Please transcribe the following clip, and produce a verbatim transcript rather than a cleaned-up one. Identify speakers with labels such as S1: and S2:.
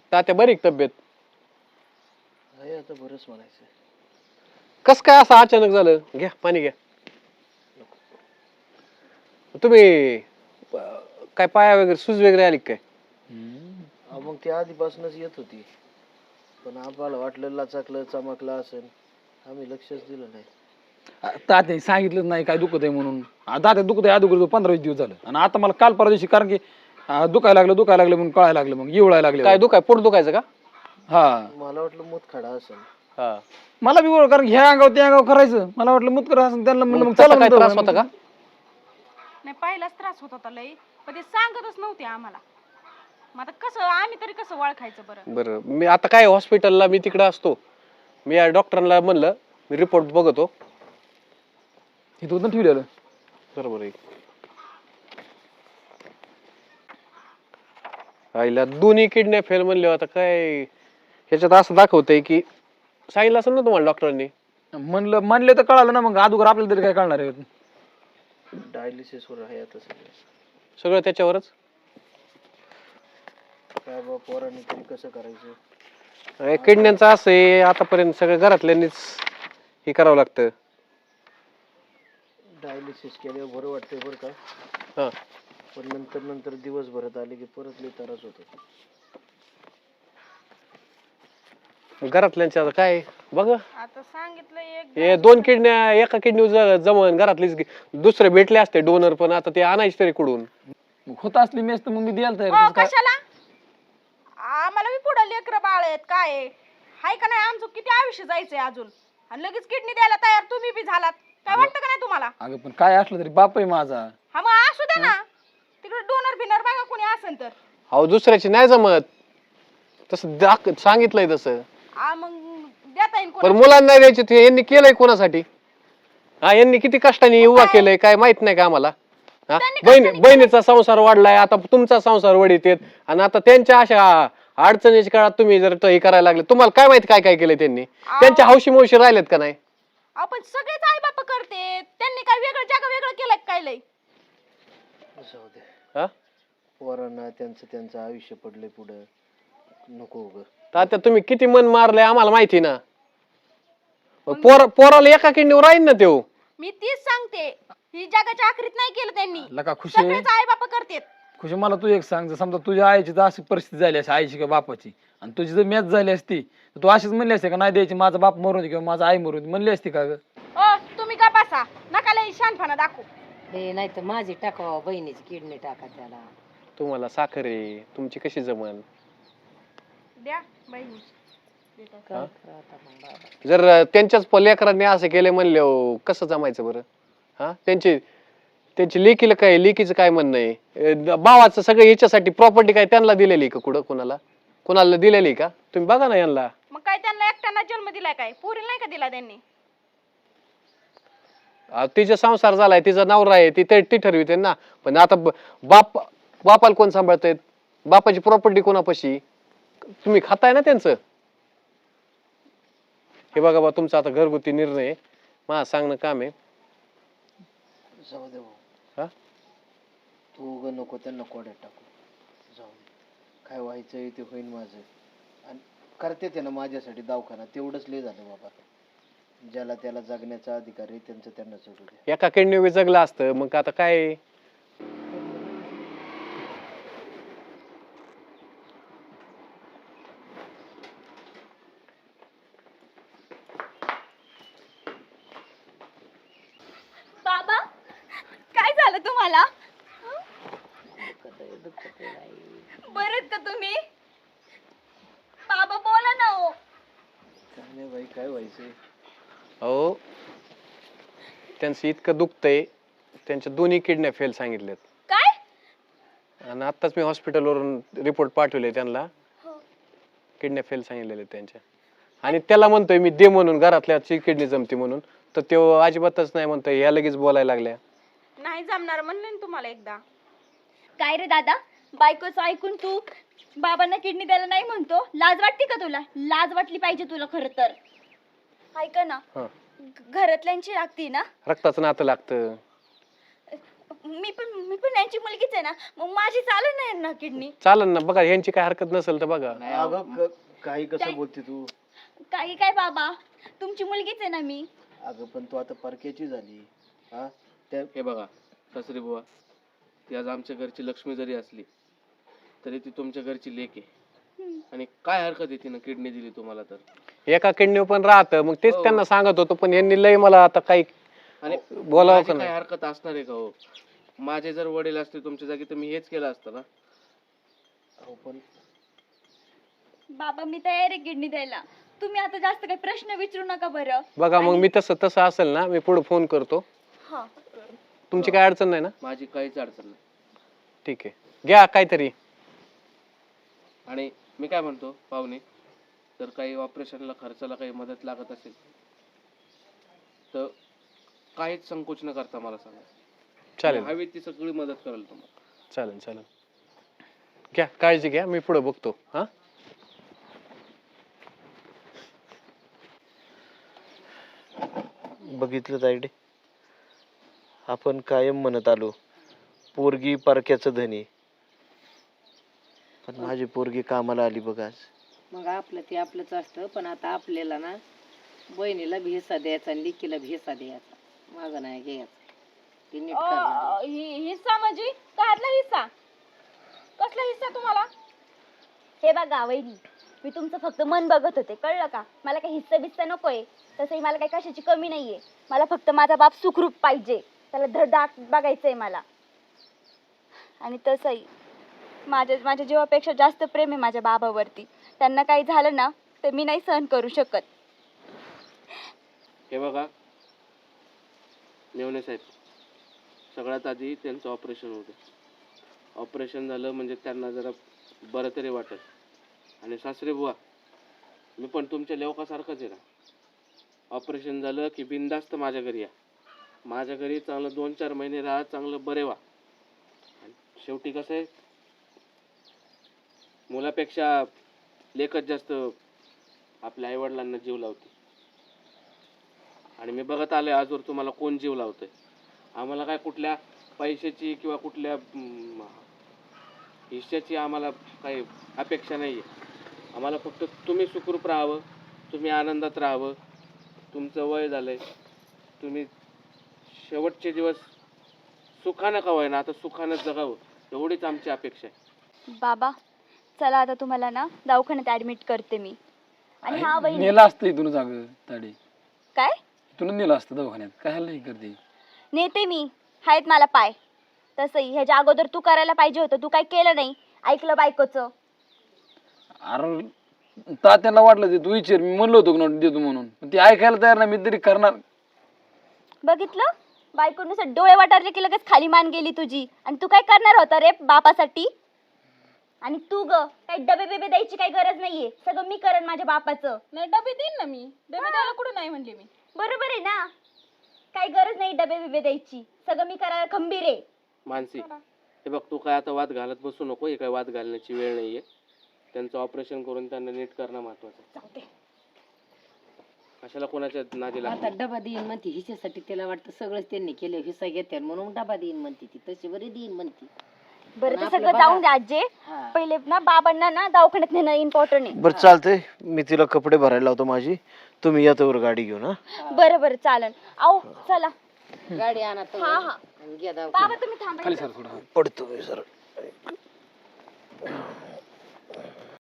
S1: तात्या बरी का तब्येत?
S2: आहे आता बरंच म्हणायचं.
S1: कस काय असं अचानक झालं? घ्या पाणी घ्या. तुम्ही काय पाया वगैरे सूज वगैरे आली काय?
S2: मग ती आधीपासूनच येत होती, पण आम्हाला वाटलं लाचाकलं चमकलं असेल, आम्ही लक्षच दिलं नाही.
S3: तात्याने सांगितलंच नाही काय दुखत आहे म्हणून. तात्या दुखत आहे अगोदर पंधरा वीस दिवस झालं आणि आता मला काल परवा दिवशी कारण की दुखायला लागलं दुखायला लागलं म्हणून कळायला लागलं, मग येवळायला लागले.
S1: काय दुखाय पोट दुखायचं का?
S3: हा
S2: मला वाटलं मुतखडा असेल.
S1: हा
S3: मला बी ओळख, कारण ह्या अंगावर त्या अंगावर करायचं मला वाटलं मुतकर असं त्यांना म्हणलं मग
S1: तसा
S3: चला
S1: काय
S3: म्हणतो.
S1: त्रास होता का?
S4: नाही पहिलाच त्रास होत होता लई, पण ते सांगतच नव्हते आम्हाला. मग आता कसं आम्ही तरी कसं ओळखायचं बरं?
S1: बरं मी आता काय हॉस्पिटलला मी तिकडे असतो, मी या डॉक्टरांना म्हणलं मी रिपोर्ट बघतो.
S3: हे तू ठेवलेलं
S1: बरोबर आहे. आईला दोन्ही किडन्या फेल म्हणले, आता काय ह्याच्यात असं दाखवतंय की सांगितलं असेल ना तुम्हाला डॉक्टरांनी?
S3: म्हणलं म्हणले तर कळालं ना, मग अगोदर आपल्याला तरी काय कळणार आहे?
S2: डायलिसिस वर आहे आता सगळं.
S1: सगळं त्याच्यावरच.
S2: काय बाबा पोरांनी तरी कसं करायचं?
S1: अरे किडन्यांचं असं आहे, आतापर्यंत सगळं घरातल्यांनीच हे करावं लागतं.
S2: डायलिसिस केल्यावर बरं वाटतंय बरं का,
S1: हा
S2: पण नंतर नंतर दिवस भरत आले की परत लई त्रास होतो.
S1: घरातल्यांच्या आता काय बघ,
S4: आता सांगितलं एक
S1: हे दोन किडन्या एका किडनी जमन घरातलीच दुसरे भेटले असते डोनर, पण आता ते आणायचे तरी कुठून?
S3: होत असली मेस तर मग मी द्यायला
S4: हो,
S3: तयार.
S4: कशाला आम्हाला बी पुढे लेकर बाळ आहेत काय आहे? हाय का नाही? आमचं किती आयुष्य जायचंय अजून, आणि लगेच किडनी द्यायला तयार तुम्ही बी झालात. काय वाटतं का नाही तुम्हाला?
S3: अगं पण काय असलं तरी बाप आहे माझा.
S4: हा मग असू दे ना, तिकडे डोनर बिनर बघा कोणी असेल तर.
S1: अहो दुसऱ्याची नाही जमत तसं दाख सांगितलंय तसं.
S4: आ मग देता येईल
S1: पण
S4: कोणी?
S1: मुलांना नाही द्यायचे ते यांनी केलंय कोणासाठी? हा यांनी किती कष्टाने उभा केलंय काय माहित नाही का आम्हाला? हा बहिणी बहिणीचा संसार वाढलाय, आता तुमचा संसार वडीत येत, आणि आता त्यांच्या अशा अडचणीच्या काळात तुम्ही जर हे करायला लागले, तुम्हाला काय माहिती काय काय केलंय त्यांनी? त्यांच्या हौशी मौशी राहिलेत का नाही?
S4: आपण सगळेच आई बाप करते, त्यांनी काय वेगळं जग वेगळं केलं काय लय?
S2: जाऊ दे,
S1: हा
S2: पोरांना त्यांचं त्यांचं आयुष्य पडलंय पुढं, नको उग.
S1: आता तुम्ही किती मन मारलंय आम्हाला माहिती ना. पोर पोराला एका किडनीवर राहील ना त्यो.
S4: मी तीच सांगते, ही जगाच्या आखरीत नाही केलं त्यांनी,
S3: लका खुशी
S4: सगळेच आई बाप करतेत.
S3: खुशी मला तू एक सांग, जर समजा तुझ्या आईची तर अशी परिस्थिती झाली असती आईची किंवा बापाची, आणि तुझी जर मॅच झाली असती तर तू अशीच म्हणली असते का नाही द्यायची, माझा बाप मरून दे किंवा माझा आई मरून दे, म्हणली असती का ग?
S4: ओ तुम्ही का बसा, नका लय शानपणा दाखवू.
S5: हे नाही तर माझी टाकावा, बहिणीची किडनी टाका त्याला.
S1: तुम्हाला साखर आहे, तुमची कशी जमन?
S4: द्या बहिणी.
S5: काय करा आता मग बाबा.
S1: जर त्यांच्याच लेकरांनी असं केलं म्हणले कसं जमायचं बरं? हा त्यांची त्यांची लेकीला काय, लेकीचं काय म्हणणं आहे? भावाचं सगळं याच्यासाठी प्रॉपर्टी काय त्यांना दिलेली का? कुठं कोणाला कोणाला दिलेली का? तुम्ही बघा ना यांना.
S4: मग काय त्यांना एकट्यांना जन्म दिलाय काय? पुरी नाही का दिला त्यांनी?
S1: तिचा संसार झालाय, तिचा नवरा आहे, ती ती ठरविते ना. पण आता बाप बापाला कोण सांभाळतायत? बापाची प्रॉपर्टी कोणापाशी? तुम्ही खाताय ना त्यांचं. हे बघा बा, तुमचा आता घरगुती निर्णय आहे, मला सांगणं काम आहे.
S2: जाऊ दे भाऊ,
S1: हा
S2: तू उग नको त्यांना कोड्यात टाकू. जाऊ दे, काय व्हायचंय ते होईन माझं, आणि करते ते ना माझ्यासाठी दवाखाना, तेवढंच लय झालं बाबा. ज्याला त्याला जगण्याचा अधिकार आहे त्यांचं त्यांना सोडू दे.
S1: एका किडनी जगलं असतं मग आता काय?
S4: बाबा काय झालं तुम्हाला? बरं का तुम्ही? बाबा बोला ना. हो
S2: काय नाही बाई, काय व्हायचंय?
S1: अहो त्यांचं इतकं दुखतंय, त्यांच्या दोन्ही किडन्या फेल सांगितल्यात.
S4: काय?
S1: आणि आत्ताच मी हॉस्पिटलवरून रिपोर्ट पाठवले त्यांना, किडन्या फेल सांगितलेले त्यांच्या. आणि त्याला म्हणतोय मी दे म्हणून, घरातल्याची किडनी जमते म्हणून, तर तो अजिबातच नाही म्हणतोय. या लगेच बोलायला लागल्या.
S4: नाही जमणार म्हणले ना तुम्हाला एकदा. काय रे दादा, बायकोचं ऐकून तू बाबांना किडनी द्यायला नाही म्हणतो? लाज वाटते का तुला? लाज वाटली पाहिजे तुला खरं तर. ऐका ना, घरातल्यांची लागती ना,
S1: रक्ताचं नातं लागतं.
S4: मी पण मी पण यांची मुलगीच आहे ना, मग माझी चालू नाही ना किडनी.
S1: चालन ना बघा, यांची काय हरकत नसेल तर बघा.
S2: नाही अगं क- काही कसं
S4: काय?
S2: बोलते तू?
S4: काही काय बाबा, तुमची मुलगीच आहे ना मी.
S2: अगं पण तू आता परक्याची झाली. हा त्या
S6: हे बघा सासरी बुवा, ती आज आमच्या घरची लक्ष्मी जरी असली तरी ती तुमच्या घरची लेक आहे.
S4: हम्म.
S6: आणि काय हरकत आहे तिनं किडनी दिली तुम्हाला तर?
S1: एका किडनी पण राहतं, मग तेच
S6: हो.
S1: त्यांना सांगत होतो, पण यांनी लय मला आता काही
S6: आणि
S1: बोलावं
S6: माझी
S1: का
S6: काय
S1: नाही.
S6: हरकत असणार आहे का हो? माझे जर वडील असते तुमच्या जागी तर मी हेच केलं असतं ना.
S2: अहो पण
S4: बाबा मी तयार आहे किडनी द्यायला. तुम्ही आता जास्त काही प्रश्न विचारू नका बरं.
S1: बघा मग मी तसं तसं असेल ना, मी पुढे फोन करतो.
S4: हा.
S1: तुमची काय अडचण नाही ना?
S6: माझी काहीच अडचण नाही.
S1: ठीक आहे, घ्या काहीतरी.
S6: आणि मी काय म्हणतो पाहुणे, जर काही ऑपरेशनला खर्चाला काही मदत लागत असेल तर काहीच संकोच न करता मला सांगा.
S1: चालेल
S6: हवी ती सगळी मदत करेल तुम्हाला.
S1: चालेल चालेल, घ्या काळजी घ्या, मी पुढे बघतो. हा
S2: बघितलं तायडे, आपण कायम म्हणत आलो पोरगी परक्याचं धनी, पण माझी पोरगी कामाला आली बघ आज.
S5: मग आपलं ते आपलंच असतं, पण आता आपल्याला ना बहिणीला भी हिस्सा द्यायचा आणि लेकीला भी हिस्सा द्यायचा, माझं नाही घ्यायचं. ते नीट करणार.
S4: अ, हि- हिस्सा म्हणजे काढला हिस्सा? कसला हिस्सा तुम्हाला? हे बघा वहिनी, मी तुमचं फक्त मन बघत होते, कळलं का? मला काही हिस्सा बिस्सा नकोय. तसंही मला काही कशाची कमी नाहीये. मला फक्त माझा बाप सुखरूप पाहिजे, त्याला धडधाक बघायचंय मला. आणि तसंही माझ्या माझ्या जीवापेक्षा जास्त प्रेम आहे माझ्या बाबावरती. त्यांना काही झालं ना तर मी नाही सहन करू शकत.
S6: हे बघा मेवणे साहेब, सगळ्यात आधी त्यांचं ऑपरेशन होतं. ऑपरेशन झालं म्हणजे त्यांना जरा बरं तरी वाटेल. आणि सासरे बुवा, मी पण तुमच्या लेवकासारखंच आहे ना. ऑपरेशन झालं की बिनधास्त माझ्या घरी या. माझ्या घरी चांगलं दोन चार महिने राहा, चांगलं बरे व्हा. आणि शेवटी कसं आहे, मुलापेक्षा लेकच जास्त आपल्या आईवडिलांना जीव लावते. आणि मी बघत आलोय आजवर तुम्हाला कोण जीव लावतंय. आम्हाला काय कुठल्या पैशाची किंवा कुठल्या हम्म, हिश्श्याची आम्हाला काही अपेक्षा नाही आहे. आम्हाला फक्त तुम्ही सुखरूप राहावं, तुम्ही आनंदात राहावं. तुमचं वय झालं आहे, तुम्ही शेवटचे दिवस सुखानं का होईना आता सुखानं जगावं, एवढीच आमची अपेक्षा आहे.
S4: बाबा चला, आता तुम्हाला ना दवाखान्यात ऍडमिट करते मी. आणि हा वहिनी
S3: नेलं असतं इथून जाग ताडी,
S4: काय
S3: इथून नेलं असतं दवाखान्यात. काय नाही करते.
S4: नेते मी, आहेत मला पाय. तसंही ह्याच्या अगोदर तू करायला पाहिजे होतं, तू काय केलं नाही, ऐकलं बायकोचं.
S3: अरे तात्याला वाटलं ते तू विचार, मी म्हणलो होतो की देतो म्हणून, पण ती ऐकायला तयार नाही. मी तरी करणार.
S4: बघितलं, बायकोनुसार डोळे वाटारले की लगेच खाली मान गेली तुझी. आणि तू काय करणार होता रे बापासाठी? आणि तू ग काही डबे बेबे द्यायची काही गरज नाहीये, सगळं मी करेन माझ्या बापाचं.
S7: नाही डबे देईन ना मी. डबे द्यायला कुठं नाही म्हणले मी.
S4: बरोबर आहे ना, काही गरज नाही डबे बिबे द्यायची, सगळं मी करायला खंबीर आहे.
S6: मानसी, हे बघ तू काय आता वाद घालत बसू नको. हे काय वाद घालण्याची वेळ नाहीये. त्यांचं ऑपरेशन करून त्यांना नीट करणं महत्वाचं आहे. कशाला कोणाच्या नादी लागतं.
S5: आता डबा देईन म्हणते हिच्यासाठी, त्याला वाटतं सगळंच त्यांनी केलं, हिस्सा घेते म्हणून डबा देईन म्हणते ती. तशी बरी देईन म्हणते.
S4: बरं
S5: पण
S4: ते
S5: आपलं
S4: सगळं
S5: बघा.
S4: जाऊन द्या आजे.
S5: हा.
S4: पहिले ना बाबांना ना दवाखान्यात नेणं इम्पॉर्टंट आहे.
S2: बरं चालतंय, मी तिला कपडे भरायला लावतो माझी, तुम्ही या तोवर गाडी घेऊन. हा
S4: बरं बरं चालन. आओ चला.
S5: गाडी आणा तर
S4: हा हा
S5: आणि घ्या
S4: बाबा
S5: दवाखान्यात.
S4: तुम्ही थांबा.
S3: खाली सर थोडं.
S2: पडतो मी सर.